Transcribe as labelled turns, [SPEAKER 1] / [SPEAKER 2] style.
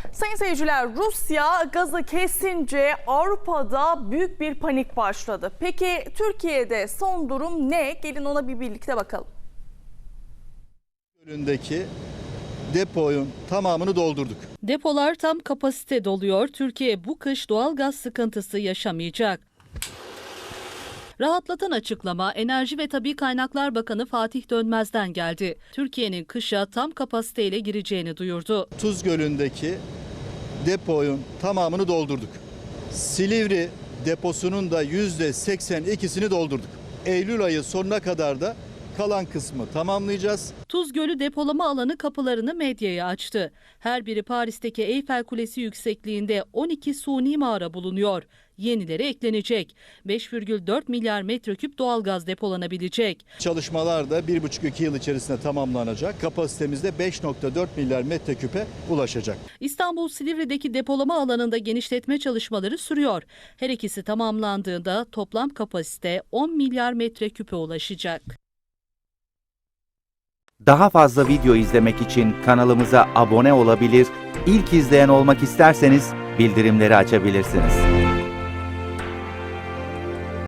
[SPEAKER 1] Sayın seyirciler, Rusya gazı kesince Avrupa'da büyük bir panik başladı. Peki Türkiye'de son durum ne? Gelin ona bir birlikte bakalım.
[SPEAKER 2] Gölündeki deponun tamamını doldurduk.
[SPEAKER 3] Depolar tam kapasite doluyor. Türkiye bu kış doğal gaz sıkıntısı yaşamayacak. Rahatlatan açıklama Enerji ve Tabii Kaynaklar Bakanı Fatih Dönmez'den geldi. Türkiye'nin kışa tam kapasiteyle gireceğini duyurdu.
[SPEAKER 2] Tuz Gölü'ndeki deponun tamamını doldurduk. Silivri deposunun da %82'sini doldurduk. Eylül ayı sonuna kadar da kalan kısmı tamamlayacağız.
[SPEAKER 3] Tuz Gölü depolama alanı kapılarını medyaya açtı. Her biri Paris'teki Eyfel Kulesi yüksekliğinde 12 suni mağara bulunuyor. Yenileri eklenecek. 5,4 milyar metreküp doğalgaz depolanabilecek.
[SPEAKER 2] Çalışmalar da 1,5-2 yıl içerisinde tamamlanacak. Kapasitemizde 5,4 milyar metreküpe ulaşacak.
[SPEAKER 3] İstanbul Silivri'deki depolama alanında genişletme çalışmaları sürüyor. Her ikisi tamamlandığında toplam kapasite 10 milyar metreküpe ulaşacak.
[SPEAKER 4] Daha fazla video izlemek için kanalımıza abone olabilir, ilk izleyen olmak isterseniz bildirimleri açabilirsiniz.